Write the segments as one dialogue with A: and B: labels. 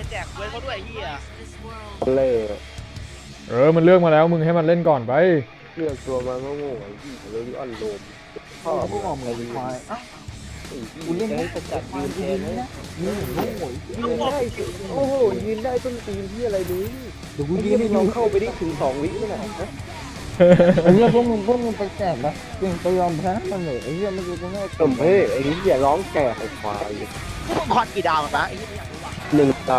A: แจกเว้นเขาด้วยเฮีย
B: เล่
C: มันเลือกมาแล้วมึงให้มันเล่นก่อนไป
B: เลือกตัวมาก็โง่ไอ้ที่เลยอ่อนโลมพ่อพวกออกมาดีควายกูเล่นให้สกัดยืนแทนนะยืนได้โอ้โหยืนได้ต้นตีนที่อะไรนี้เดี๋ยวกูยืนให้เราเข้าไปได้ถึง2 วิไม่ได้นะ
D: ไอ้เรื่องพวกมึงไปแจกนะเก่งไปยอมแพ้มันเลยไอ้เรื่องไม่รู้จะแม่
B: สมเพศไอ้นี่อย่าร้องแก่ไอ้ควาย
A: พวกมึงคอนกี่ดาวนะไอ้เฮียอยากรู้ว่ะ
B: 1 ดาว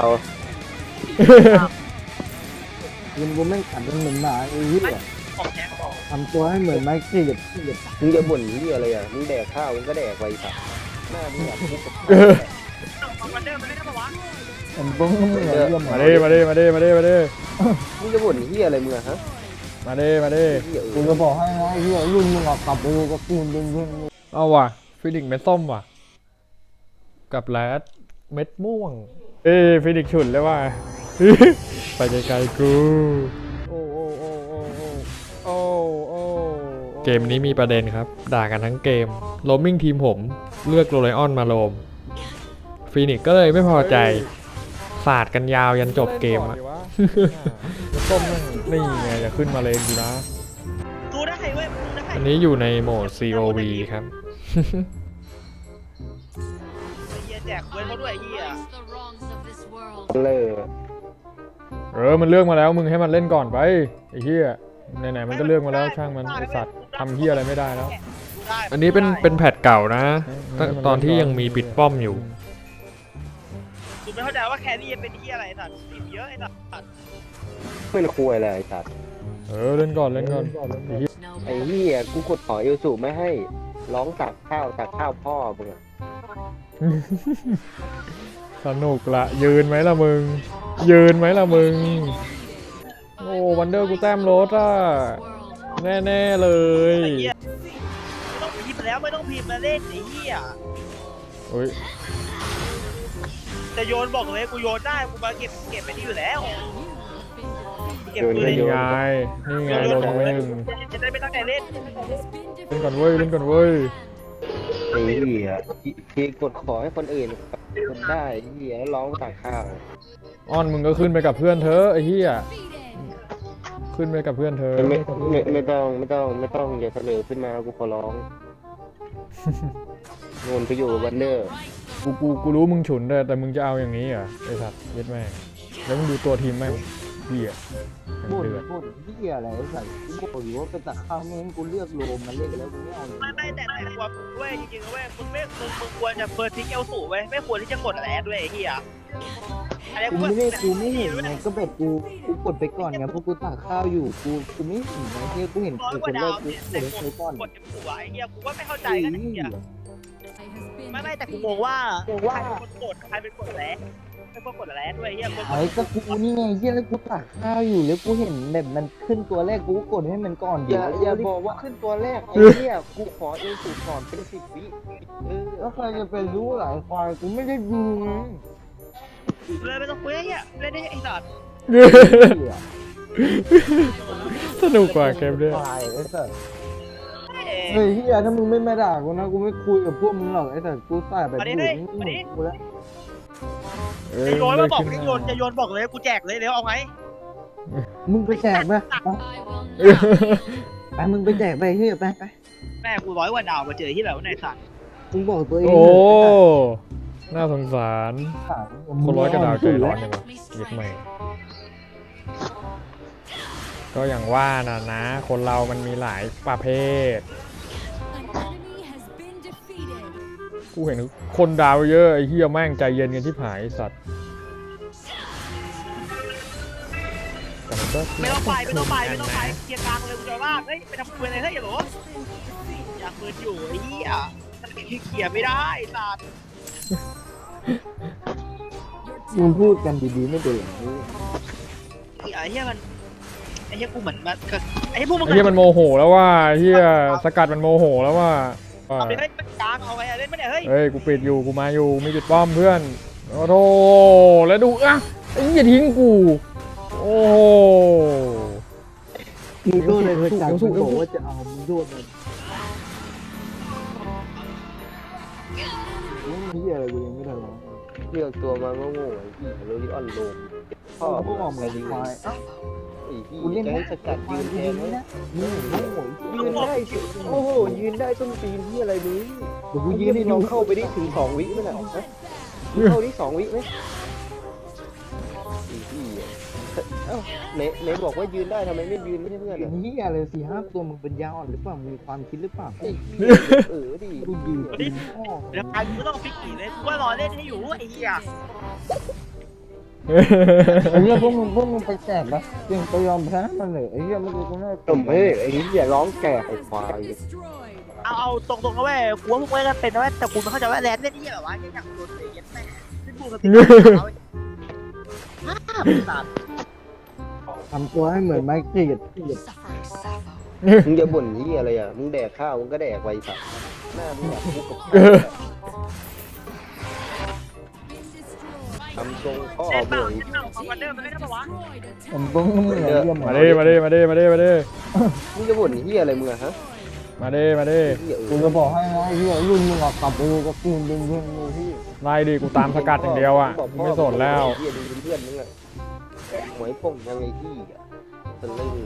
D: ยิงกูไม่ขัดเป็นเหมือนหมาไอ้เหี้ย
A: ของแท้เขาบอก
D: ทำตัวให้เหมือนไม้ขีด
B: มึงจะบ่นที่อะไรอ่ะมึงแดกข้าวมึงก็แดกไปสักหน้ามึงอยากพูดกับ
A: มันเดินมันเล่นได้ปะวะ
D: ผมก็ไม่เหมือนเรื่อง
C: มาดิ
B: มึงจะบ่นที่อะไรมึงอะฮะ
C: มาดิ
B: ที่เอ
D: กู
B: อ
D: จะบอกให้นะไอ้เหี้ยรุ่นมึงออกกลับไปกับกูดึง
C: เอาว่ะฟินิกซ์เม็ดส้มว่ะกับแรดเม็ดม่วงฟินิกซ์ฉุนเลยว่ะ ไปไกลๆกูเกมนี้มีประเด็นครับด่ากันทั้งเกมโรมมิ่งทีมผมเลือกโรไลออนมาโรมฟินิกซ์ก็เลยไม่พอใจสาดกันยาวยันจบเกมอะส้มนี่ไงจะขึ้นมาเลยดีนะ
A: ดูได้เว้ยดูได้
C: อันนี้อยู่ในโหมด COV ครับ
A: ไอ้เฮียแจกเว้นเขาด้วยเฮีย
B: เล่
C: มันเลือกมาแล้วมึงให้มันเล่นก่อนไปไอ้เหี้ยไหนๆมันก็เลือกมาแล้วช่างมันไอสัตว์ทำเหี้ยอะไรไม่ได้แล้ว อันนี้เป็นแพทเก่านะตอนที่ยังมีปิดป้อมอยู่
A: กูไม่เข้าใจว่าแครี่เป็นเฮียอะไรสัตว์ติดเยอะไอ้สัตว์
B: เป็นคุยอะไรไอ้สัตว์
C: เล่นก่อนไอ้เหี้ย
B: ไอ้เหี้ยกูกดขอเอลสูไม่ให้ร้องตักข้าวพ่อมึงอะ
C: สนุกละยืนไหมล่ะมึงโอ้วันเดอร์กูแต้มรถอ่ะแน่ๆเลย
A: ไอ้เฮียไม่ต้องพิมพ์แล้วไม่ต้องพิมพ์แล้วเล่นไอ้เฮีย
C: โอ้ย
A: จะโยนบอกเลยกูโยนได้กูมาเก็บไปนี่อยู่แล้วเก็บปืน
C: นี่ไงโดนไปหนึ่ง
A: จะได้ไม่ตั้งใจเล่น
C: เล่นก่อนเว้ย
B: ไอ้เหี้ยที่กดขอให้คนอื่นกดได้ไอ้เหี้ยแล้วร้องตักข้าว
C: อ้อนมึงก็ขึ้นไปกับเพื่อนเธอไอ้เหี้ยขึ้นไปกับเพื่อนเธอ
B: ไม่ต้องอย่าเสนอขึ้นมากูขอร้องงนไปอยู่กับวันเดอร์
C: กูรู้มึงฉุนแต่มึงจะเอาอย่างนี้เหรอไอ้สัตว์เย็ดแม่งแล้วมึงดูตัวทีมแม่งเหี้ยทั้ง
D: พูด
C: เดือด
D: เหี้ยอะไรไอ้สัตว์กูบอกอยู่ว่าไปตักข้าวไม่งั้นกูเลือกโรมมาเล่นแล้วกูไม่เอา
A: ไม่แต่ควรเว้ยจริงๆเว้ยมึงควรจะเฟิร์สทิ้งเอลสูเว้ยไม่ควรที่จะกดอะไรด้วยไอ้เหี้ยอะไร
D: กูไม่เห็นไงก็แบบกูกดไปก่อนไงเพราะกูตักข้าวอยู่กูไม่เห็นไงเฮียกูเห็น
A: ร้อย
D: กู
A: ก
D: ค
A: ว่าน
D: แร
A: ดาว
D: กกู
A: เนี่ย
D: กดไปก่อน
A: กดหัวไอ้เหี้ยกูว่าไม่เข้าใจกันไอ้เหี้ยไม่แต่กูงงว่าใครเป็นคนกดแล้วเป็นคนกดแล้วด้วยไอ้เหี้ย
D: ไอ้ก็กูนี่ไงเฮียแล้วกูตักข้าวอยู่แล้วกูเห็นแบบมันขึ้นตัวแรกกูก็กดให้มันก่อน
B: อย่าบอกว่าขึ้นตัวแรกไอ้เหี้ยกูขอเอลสูก่อนเป็น10 วิ
D: แล้วใครจะไปรู้หลายควายกูไม่ได้ดูไง
A: เลยไม่ต้องคุยไอ้เหี้ยเล่นได้ไอ้สัตว์
C: สนุกกว่าเกมด้วย
D: ควายไอ้สัสเฮ้ยเฮียถ้ามึงไม่มาด่ากูนะกูไม่คุยกับพวกมึงหรอกไอ้สัสกูใส่แบบกูแล้ว
A: จะโยนมาบอกจะโยนบอกเลยกูแจกเลยเดี๋ยวเอาไง
D: มึงไปแจกไปไปมึงไปแจกไปเฮ้ยไป
A: แม่กู100 กว่าดาวมาเจอที่ไหนวะในสัตว์
D: มึงบอกตัวเอง
C: โอ้น่าสงสารคนร้อยกระดาวใจร้อนจังวะเย็ดแม่ก็อย่างว่านะคนเรามันมีหลายประเภทกูเห็นคนดาวเยอะไอ้เหี้ยแม่งใจเย็นกันที่ผายไอ้สัตว์
A: ไม่ต้องไปเคลียร์กลางเลยกูจะว่าเฮ้ยไปทำปืนอะไรเฮ้ยอย่าบอกอยากปืนอยู่ไอ้เหี้ยเคลียร์ไม่ได้สัตว์
D: มึงพูดกันดีๆไม่เป็นอย่างนี้
A: ไอ้เหี้ยมันไอ้เหี้ยกูเหมือนมันไอ้พวกมึง
C: ไอ้เหี้ยมันโมโหแล้วว่าเหี้ยสกัดมันโมโหแล้วว่า
A: เอาไปเฮ้ยกลางเอาไงเล่นไม่ได้เฮ้ย
C: เฮ้ยกูปิดอยู่กูมาอยู่มีปิดป้อมเพื่อนโอ้โหแล้วดูอ่ะไอ้เหี้ยทิ้งกูโอ้โห
D: มึงโดนเลยเพื่อนจังมึงบอกว่าจะเอามึงโดนมันเฮียอะไรกูยังไม่ทันร้อง
B: เลือกตัวมาโง่ๆไอ้พี่โรลิออนโลมพ่อ
D: พวกออกเลยดีควายอ่ะ
B: ไอ้พี่
D: กูเล่น
B: จะให้สกัดยืนแทนไหม
D: นะมึงโง่
B: ยืนได้สิโอ้โหยืนได้ต้นตีนที่อะไรมึง
D: เดี๋ยวกู
B: กู
D: ยื
B: ยื
D: น
B: น
D: ให้
B: ให้
D: ดู
B: ลองเข้าไปได้ถึง2 วิไหมน่ะฮะมึงเข้าได้2 วิไหมไอ้พี่เอ้าไหนบอกว่ายืนได้ทำไมไม่ยืนไม่ใช่เพื่อนอ่ะ
D: นี่อะไร4-5 ตัวมึงเป็นยาอ่อนหรือเปล่ามึงมีความคิดหรือเปล่า
B: ไอ้ดิ
D: กูยืนกินพ่อ
A: เดี๋ยวไปกูต้องฟิกกี่เลยกูว่ารอเล่นให้อยู่ไอ้เหี้ย
D: ไอ้เหี้ยพวกมึงไปแจกปะจริงไปยอมแพ้มันเลยไอ้เหี้ยไม่รู้กูน่า
B: จมเฮ้ยไอ้นี่อย่าร้องแก่ไอ้ควาย
A: เอาตรงๆนะเว้ยกูว่าพวกเว้ยกันเป็นนะเว้ยแต่กูไม่เข้าใจว่าแลนด์เล่นที่แบบว่ายังอยากโดนเตะยัดแม่ซึ่งกูกับติ๊กสัตว์
D: ทำตัวให้เหมือนไม้กรีด
B: มึงจะบ่นที่อะไรอ่ะมึงแดกข้าวมึงก็แดกไปสัตว์หน้ามึงแบบกูกับทำทรงพ่อ
A: เล่นเป
B: บ่
A: ล่า
B: อย
A: เล่นเปล่าของวันเดอร์มันไม่ได้ปะวะ
D: ผมต้องมึงเหมือนเยี่ยม
C: มาดิมาดิมาดิมาดิมาดิ
B: มึงจะบ่นที่อะไรมึงอะฮะ
C: มาดิมาดิ
B: เหี้ย
D: กูจะบอกให้นะไอ้เหี้ยรุ่นมึงออกกลับไปดูกับกูเป็นเพื่อนมึงพี่
C: ไล่ดิกูตามสกัดอย่างเดียวอ่ะกูไม่สนแล้ว
B: เหี้ยดูเป็นเพื่อนมึงอะหมวยป่งยังไงที่อ่ะสนเลย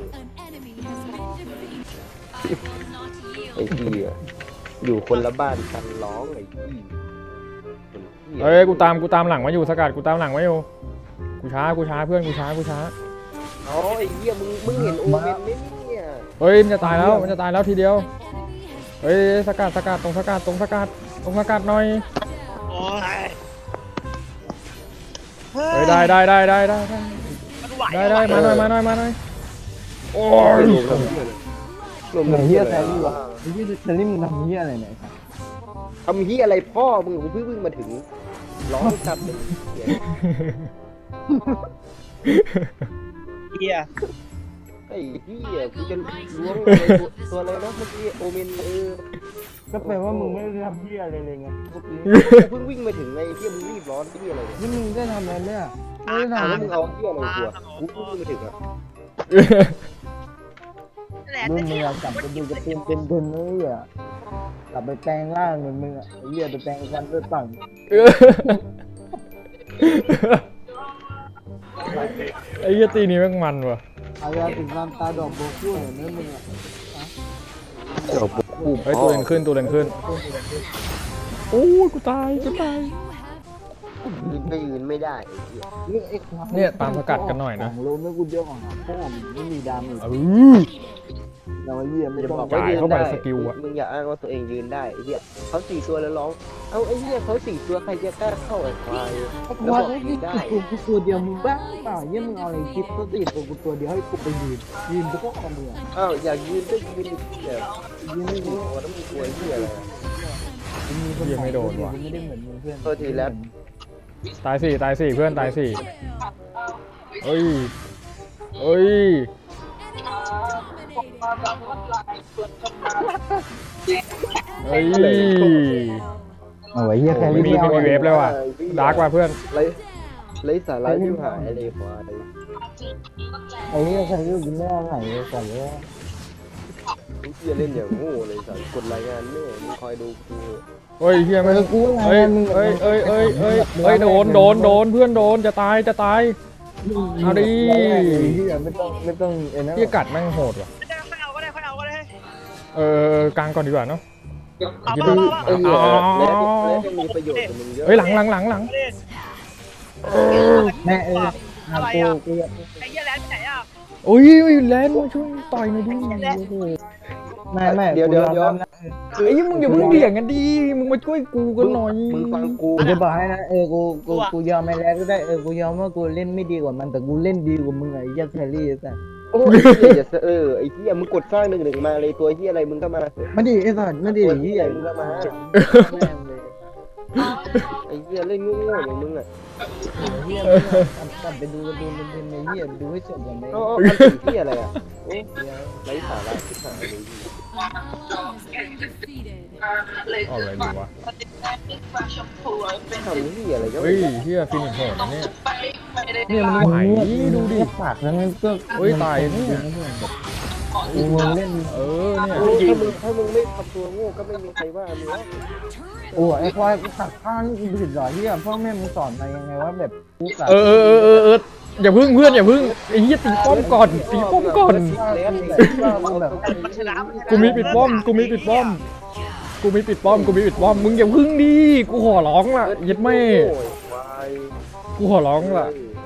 B: ไอ้ที่อ่ะอยู่คนละบ้านกันร้องไอ้ที่
C: เอ้ยกูตามหลังมาอยู่สกัดกูตามหลังมาอยู่กูช้าเพื่อนกูช้า
B: อ๋อไอ้เหี้ยมึงเห็นโอเมนไหมเนี่ย
C: เฮ้ยมันจะตายแล้วทีเดียวเฮ้ยสกัดตรงสกัดหน่อย
A: โอ้ย
C: เฮ้ยได้
A: มันไหว
C: มาหน่อยโอ้ย
B: รวม
D: ไหน
B: ๆ
D: เหี้
B: เหี้
D: ย
B: ย
D: แซ
B: อะไร
D: รี่วะไอ้เหี้ยแซรี่มึงทำเหี้ยอะไรเนี่ย
B: ทำเหี้ยอะไรพ่อมึงกูเพิ่งมาถึงร้องจับเลย
A: เหี้ย
B: ไอ้เหี้ยกูจะล้วงอะไรตัวอะไรนะเมื่อกี้โอเมน
D: ก็แปลว่ามึงไม่ได้ทำเหี้ยอะไรเลยไง
B: กูเพิ่งวิ่งมาถึงไอ้เหี้ยมึงรีบร้อนที่อะไรเนี่ย
D: นี่มึงได้ทำอะไรเนี่ยไม่ได้
B: แล้ว
D: ทำ
B: มึงเอาเหี้ยอะไรกูเพิ่งวิ่งมาถึงอ่ะ
A: แลนด์
D: รุ่
A: เล่
D: น
A: น
D: มึง
A: ที่
D: อะกลับไปดูกระตุ้นเป็นๆเลยอ่ะกลับไปแปลงร่างเหมือนมึงอ่ะไอ้เหี้ยไปแปลงฟันด้วยปั่ง
C: ไอ้เหี้ยตีนี้แม่งมันว่ะ
D: อายาถึงน้ำตาดอกโบกู้เหมือนนั่นมึงอ่ะ
B: เดี๋ยวกู
C: เฮ้ยตัวเลนขึ้นโอ้ยกูตาย
B: ยืนก็ยืนไม่ได้ไอ้เหี้ย
C: เนี่ยตามสกัดกันหน่อยนะ
D: ของโลไม่กูเดียวของพ่อมึงไม่มีดาเมจ เราเยี่ยมไม่
B: จะ
D: ต้
B: บ
D: อ
B: อง กว่ายืน
C: เข้าไป
B: ได้
C: สกิลอะ
B: มึงอย่าอ้างว่าตัวเองยืนได้ไอ้เหี้ยเขา4 ตัวแล้วร้องเอาไอ้เหี้ยเขา4 ตัวใครจะกล้าเข้าไอ้ควายแล้ว
D: ว่า
B: บอก
D: ไอ้
B: ยื
D: ที่
B: นได้
D: กูตัวเดียวมึงบ้าเปล่าเยี่ยมึงเอาอะไรคิดตัวติดตัวเดียวให้กูไปยืนพวกเอามือ
B: อ้าวอยากยืนก็ยืนเดี๋ยว
D: ยืนไม่
B: โอ้
D: รู้
B: โหแล้วมึงกลัวไอ้เหี้ยอะไรอะ
D: มีคน
C: ยังไม่โดนว่ะ
D: ไม่ได้เหมือนมึงเพื่อน
B: โทษทีแล้ว
C: ตายสี่เพื่อนตายสี่เฮ้ยเฮ้ย
D: เอาไว้เยี่ยใคร
C: ไม่มีเวฟเลยว่ะดาร์กว่ะเพื่อน
B: ไรสาระที่หายอะไรควาย
D: ไอ้เยี่ยใครก็กินไม่เอาไหนก่อนเลย
B: ไอ้เหี้ยเล่นอย่างโง่เลยสัตว์กดรายงานแม่มึงคอยดูกู
C: เฮ้ยเฮียไม่เฮ้ยโดนเพื่อนโดนจะตายเอาดิ
D: เยี่ยไม่ต้องไอ้นั่น
C: เฮียกัดแม่งโหดว่ะ
A: ค่อยเอาก็ได้
C: กลางก่อนดีกว่าเนาะ
A: เอาป่ะ
B: ไอ้เหี้ยแล้วจะมีประโยชน์กับมึงเยอะ
C: เฮ้ยหลัง
D: แม่กู
A: ไอ้เหี้ยแลนด์ไปไหนอ่ะ
C: โอ้ยแลนด์มาช่วยต่อยหน่อยดิโอ้โห
D: ไม่
B: เดี๋ยว
C: ไอ้มึงอย่าเพิ่งเบี่ยงกันดิมึงมาช่วยกูกันหน่อย
B: มึงฟังกู
D: กูจะบอกให้นะกูยอมไม่แล้วก็ได้กูยอมว่ากูเล่นไม่ดีกว่ามันแต่กูเล่นดีกว่ามึงไอ้ยักษ์แครี่แต่
B: โอ้ยไอ้เหี้ยอย่าไอ้เหี้ยมึงกดสร้าง1-1มาเลยตัวเหี้ยอะไรมึงก็มา
D: ไม่ดีไอ้สัตว์ไม่ดี
B: ตัว
D: ที่
B: เหี้ย
D: ใหญ่
B: มึงก็มา
D: แม่งเลย
B: ไอ้เหี้ยเล่นโง่ๆอย่างมึงอ่ะ
D: เฮียกลับไปดูการ์ตูนเป็นในเฮียดูให้จบก่อนไหม
B: เอามันเป็นเหี้ยอะไรอ่ะโอ้ยไร้สาระที่หายเลย
C: เอาอะไรดีวะ
B: ทำเหี้ยอะไรก็
C: เฮ้ยเฮียฟินิชโหดนะเนี่ย
D: เนี่ยมัน
C: ไหวดูดิ
D: ปากแล้วมันก็
C: เฮ้ยตายเนี่ย
D: เมึงเล่น
C: เออเนี่ย
B: ถ้ามึงไม่ทำตัวโง่ก็ไม่มีใครว่ามึงหรอก
D: โอ้ไอ้ควายกูตัดข้างกูผิดเหรอที่พ่อแม่มึงสอนมายังไงว่าแบบกูตัด
C: เอออย่าพึ่งเพื่อนอย่าพึ่งไอ้เหี้ยตีป้อมก่อนตีป้อมก่อน
D: แบบ
A: มันชนะมันชนะ
C: กูมีปิดป้อมกูมีปิดป้อมมึงอย่าพึ่งดิกูขอร้องล่ะยัดแม่
B: โอ้ยควาย
C: กูขอร้องล่ะ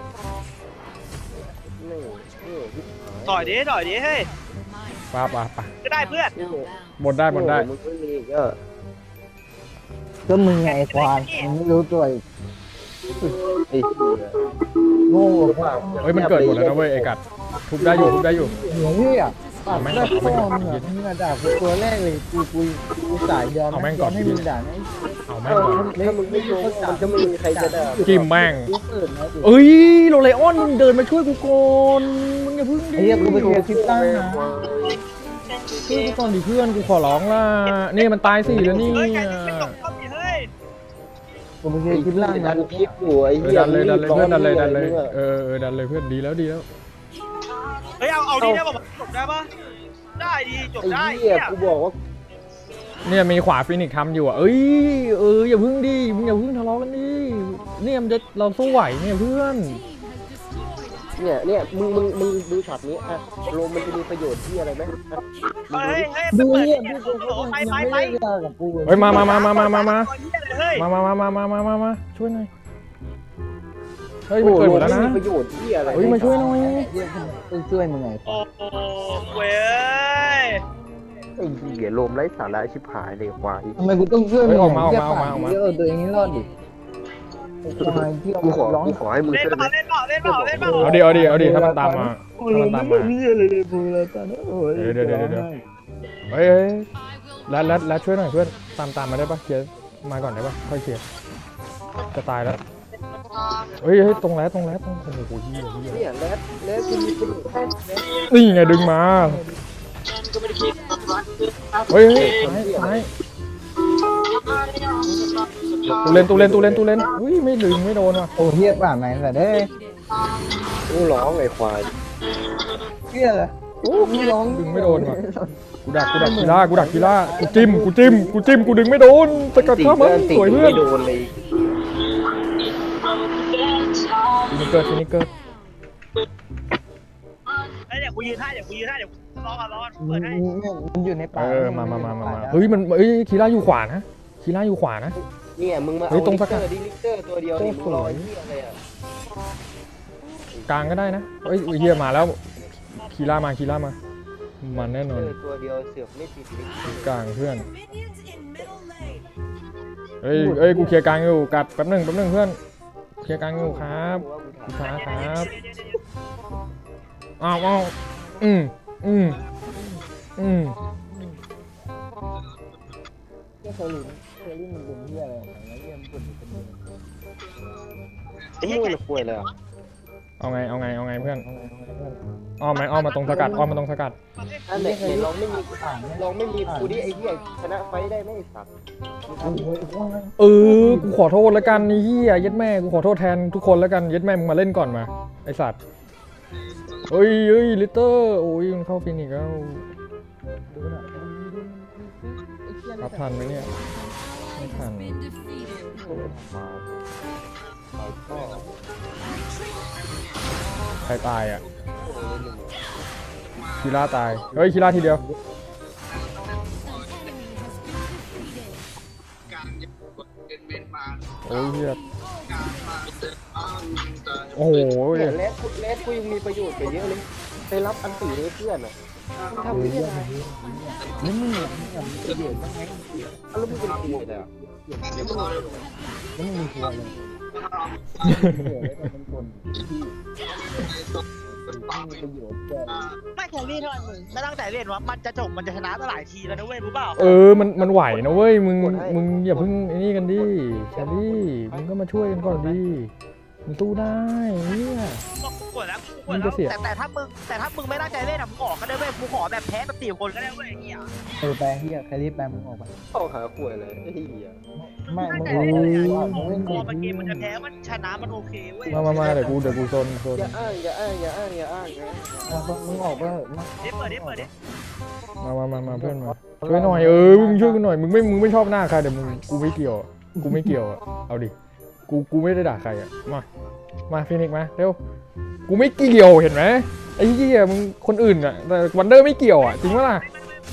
A: ต่อยดิเฮ้ย
C: ป่ะ
A: ก็ได้เพื่อน
C: หมดได้
B: มึงไม่มีอีกอ่ะ
D: ก็มึงไงไอ้ควายมึงไม่รู้ตัวอีก
B: ไอ้เหี้ย
D: โง่กว่า
C: เฮ้ยมันเกิดหมดแล้วนะเว้ยไอ้กัดทุบได้อยู่
D: เหนือพี่อ่ะตัดแม่พ่อมึงอ่ะมึงด่ากูตัวแรกเลยกูสายยอมให้มึงด่าไอ้
C: เอาแม่งก่อน
B: ถ้ามึงไม่โยงมันก็ไม่มีใครจะด่า
C: จิ้มแม่ง
D: กูเกิดนะดิ
C: เอ้ยโรเลออนมึงเดินมาช่วยกูก่อนมึงอย่าพึ่งดิ
D: ไอ้เหี้ยกูไปเทียร์คลิปตั้งนะ
C: ช่วยกูก่อนดิเพื่อนกูขอร้องล่ะนี่มันตายสี่แล้วนี่
A: เฮ้ยไก่ไม่ตกเข้าดิเฮ้ย
D: กูไปเทียร์คลิปล่าง
B: ดั
D: นะ
B: นคลิปอยู่ไอ้
C: เออ
B: เหี้ย
C: ดันเลยเพื่อนดันเลยเออดันเลยเพื่อนดีแล้ว
A: เฮ้ยเอาดีได้ป่ะจบได้ป่ะได้ดีจบ
B: ไอ้
A: ได้
B: เหี้ยกูบอกว่า
C: เนี่ยมีขวาฟินิกซ์ทำอยู่อ่ะเอ้ยอย่าพึ่งดิมึงอย่าพึ่งทะเลาะกันดิเนี่ยมันจะเราสู้ไหวเนี่ยเพื่อน
B: เนี่ยมึงดูช็อตนี้อ่ะโลมมันจะมีประโยชน์ที่อะไรไหม
A: เฮ้ย
D: ดู
A: เปิด
D: เนี่ย
A: เนี่ย
D: พี่กู
A: ไป
D: ยัง
A: ไป
D: ไม่
A: ไป
D: ได้ด่ากับกู
C: เฮ้ยมา
A: เฮ้ย
C: มาช่วยหน่อยเฮ้ย
B: โอ้
C: มัน
B: โห
C: เกิดหมดแล้วนะ
B: มีประโยชน์ที่อะไร
C: เฮ้ยมาช่วยหน่อย
D: ต้องช่วยมึงไง
A: โอ้โหเว้ย
B: ไอ้เหี้ยโลมไร้สาระชิบหายเลยควาย
D: ทำไมกูต้องช่วยมึงเยอะตัวเองให้รอดดิ
B: กูขอให้มึง
A: เล่น
B: ช่วย
A: เปล่าเล่นเปล่าเล่นเปล่าเล่นเปล่า
C: เอาดิถ้ามันตามมา
D: นี่เลยพูดแล้วตอนนี้โอ้ย
C: เดี๋ยวเฮ้ยแล้วช่วยหน่อยเพื่อนตามมาได้ปะเคลียร์มาก่อนได้ปะค่อยเคลียร์จะตายแล้วเฮ้ยตรงแล้วโอ้โหเหี้ย
B: เนี่ยแล้วกูมีประโยชน์แค่
C: นี่ไงดึงมาเฮ้ยซ้ายตูเล่นอุ้ยไม่ดึงไม่โดนว่ะ
D: โอ้เฮียป่าไหนแต่ได้
B: กูร้องไอ้ควาย
D: เฮียเลยโอ้มึงร้อง
C: ดึงไม่โดนว่ะกูดักกีฬากูจิ้มกูดึงไม่โดนสกัดข้ามันสวยเพื่อน
B: ไม่โดนเลย
C: ฟินิเกอร์
A: เฮ้ยเดี๋ยวกูยืนให้เดี๋ยวรอเปิดให้
D: มันอยู่ในป่า
C: มาเฮ้ยมันคีร่าอยู่ขวานะ
B: เนี่ยมึงมาเอาลิกเตอร์ตัวเดียวนี่มึงรอไอ้เหี้ยอะไรอ่ะ
C: กลางก็ได้นะเฮ้ยเฮียมาแล้วคีร่ามามันแน่นอน
B: ตัวเดียวเสือกไม่ติดลิก
C: กลางเพื่อนเฮ้ยกูเคลียร์กลางอยู่กัดแป๊บหนึงเพื่อนเคลียร์กลางอยู่ครับกูช้าครับอ้าวอืม
D: เคยลิ้นมันเป็นเฮียอะไรของมันเฮียมันเป็น
B: ไอ้เหี้ยมันป่วยเลยอ่ะ
C: เอาไงเพื่อนอ้อมมาตรงสกัด
B: อันไหนลองไม่มีกูดิไอ้เหี้ยชนะไฟได้ไหมไอ้สัตว์
C: กูขอโทษแล้วกันนี่เฮียยัดแม่กูขอโทษแทนทุกคนแล้วกันยัดแม่มึงมาเล่นก่อนมาไอสัตว์เฮ้ยลิตเตอร์โอ้ยมันเข้าฟินิกแล้วรับทันไหมเนี่ยไม่ทันใครตายอ่ะคีร่าตายเฮ้ยคีร่าทีเดียวโอ้ยเฮียโอ้โห
B: เลสกูยังมีประโยชน์กว่าเยอะเลยไปรับอันตีให้เพื่อนอ่ะทำเพื่อนอะไร
D: นี่มึงเนี่ยประโยชน์บ้างไหม
B: แล้วมึงเป็นตีเลยอ่ะ
D: แล้วมึงมีทัวร์เลยเป็นคนที่มีประโยชน์แก่
A: ไม่แครี่เท่าไหร่มึงไม่ตั้งแต่เล่นวะมันจะจบมันจะชนะตั้งหลายทีแล้วนะเว้ยรู้เปล่า
C: มันไหวนะเว้ยมึงอย่าเพิ่งไอ้นี่กันดิแชรี่มึงก็มาช่วยกันก่อนดิมันสู้ได้เนี่ย
A: กูกดแล้วกูก
C: มั
A: ด
C: น
A: แล้
C: จะ
A: ว
C: เสีย
A: แต่ถ้ามึงไม่ตั้งใจเล่นอะมึงออกก็ได้เว้ยกูขอแบบแพ้แบบ4 คนก็ได้เว้ยไอ้เหี้ย
D: ไปเฮียใครรีบไปมึงออกไป
B: เข้าหาขวยเลยไอ้เหี้ย
D: ไม่
A: ตั้ง
D: มึง
A: ใจ
D: ออก
A: เล่น
D: ไป
A: เลย
D: มึ
A: อะ
D: งเล่น
A: พ
D: ดี
A: อมันเกมมันจะแพ้มันชนะมันโอเคเว้ย
C: มาเดี๋ยวกูโซน
B: อย่าอ้างอย่าอ้างอย่าอ้างอย่าอ้างนะ
D: มึงออกไปเถอะ
A: เปิดดิเ
C: มาเพื่อนมาช่วยหน่อยมึงช่วยกูหน่อยมึงไม่ชอบหน้าใครเดี๋ยวมึงกูไม่เกี่ยวอะเอาดิกูไม่ได้ด่าใครอะมาฟินิกมาเร็วกูไม่เกี่ยวเห็นไหมไอ้เหี้ยมึงคนอื่นอะแต่วันเดอร์ไม่เกี่ยวอะจริงปะล่ะ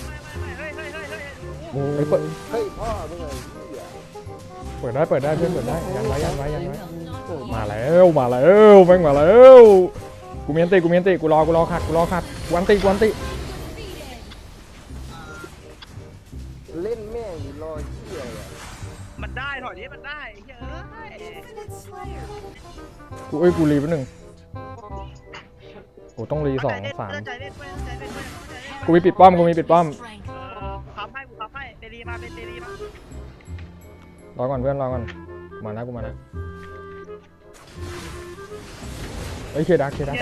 A: เฮ้ย
C: ไอ้เปิด
B: เฮ้ยพ่อมึงไงเหี้ย
C: เปิดได้เพื่อนเปิดได้ยันไว้มาแล้วแม่งมาแล้วกูมีอันติกูรอขัดกูอันติ
B: เล่นแม่งอยู่รอเหี้ยอ่ะ
A: มันได้ถอยนี้มันได้เฮ้ย
C: กูรีแป๊บนึงโอ้ต้องรี2 3กูมีปิดป้อม
A: ค้ำให้เตลีมาร
C: อก่อนเพื่อนรอก่อนมานะกูมานะเฮ้ยเคดัก
A: เกียร์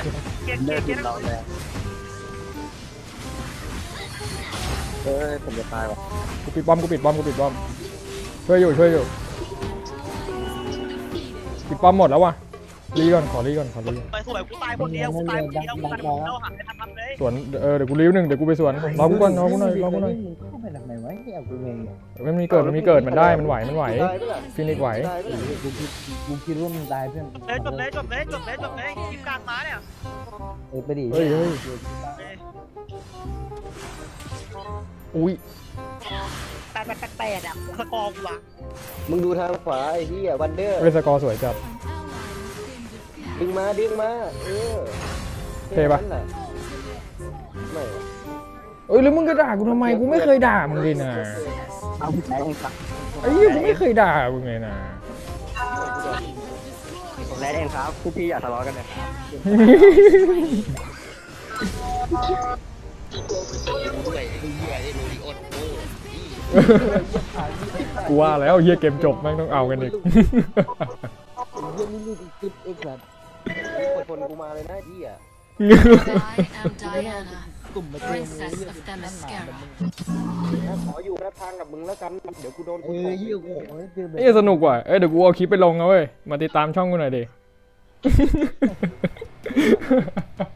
B: เฮ้ยผมจะตายว่ะ
C: กูปิดป้อมช่วยอยู่ปิดป้อมหมดแล้ววะรีก่อนขอรีก่อน
A: ไปสวยกูตายคนเดียวกูเราหันไปทำเลย
C: สวนเดี๋ยวกูรี1เดี๋ยวกูไปสวนรอกูก่อนรอกูหน่อย
D: มึงเข้าไปทำไมวะเฮียกูงง
C: มันมีเกิดมันได้มันไหว
B: ตายไปละ
C: ฟินิกไหว
B: ตายไปละ
D: กูคิดว่ามึงตายเพื่อน
A: จบเลยคลิปกลางมาเนี่ย
D: ไปดิ
C: เฮ้ยอุ้ย
A: 8อ่ะสกอร์กูอ่ะ
B: มึงดูทางขวาไอ้เหี้ยวันเดอร์
C: เวสกอร์สวยจัด
B: ดึงมา
C: เท่ปะ
B: นั่นแหละไม่
C: แล้วมึงก็ด่ากูทำไมกูไม่เคยด่ามึงเลยนะ
D: เอาไปไหนครับ
C: ไอ้เหี้ยกูไม่เคยด่ามึงเลยนะ
B: ผมแรดเองครับพวกพี่อย่าทะเลาะกันนะครับ
C: กูว่าแล้วเฮียเกมจบแม่งต้องเอากันอีก
D: เฮียนี่ลูกคลิปเอ็กซ์แบบ
B: คนกูมาเลยนะพี่อ่ะ
E: I am Diana,
D: กลุ่มมาเจอมึง
E: Princess
D: เฮีย
E: of Themyscira.
B: ขออยู่นะทางกับมึงแล้วกันเดี๋ยวกูโดน
D: เฮียกูเจอแบบ
C: เอ้ยสนุกว่ะเดี๋ยวกูเอาคลิปไปลงนะเว้ยมาติดตามช่องกูหน่อยดิ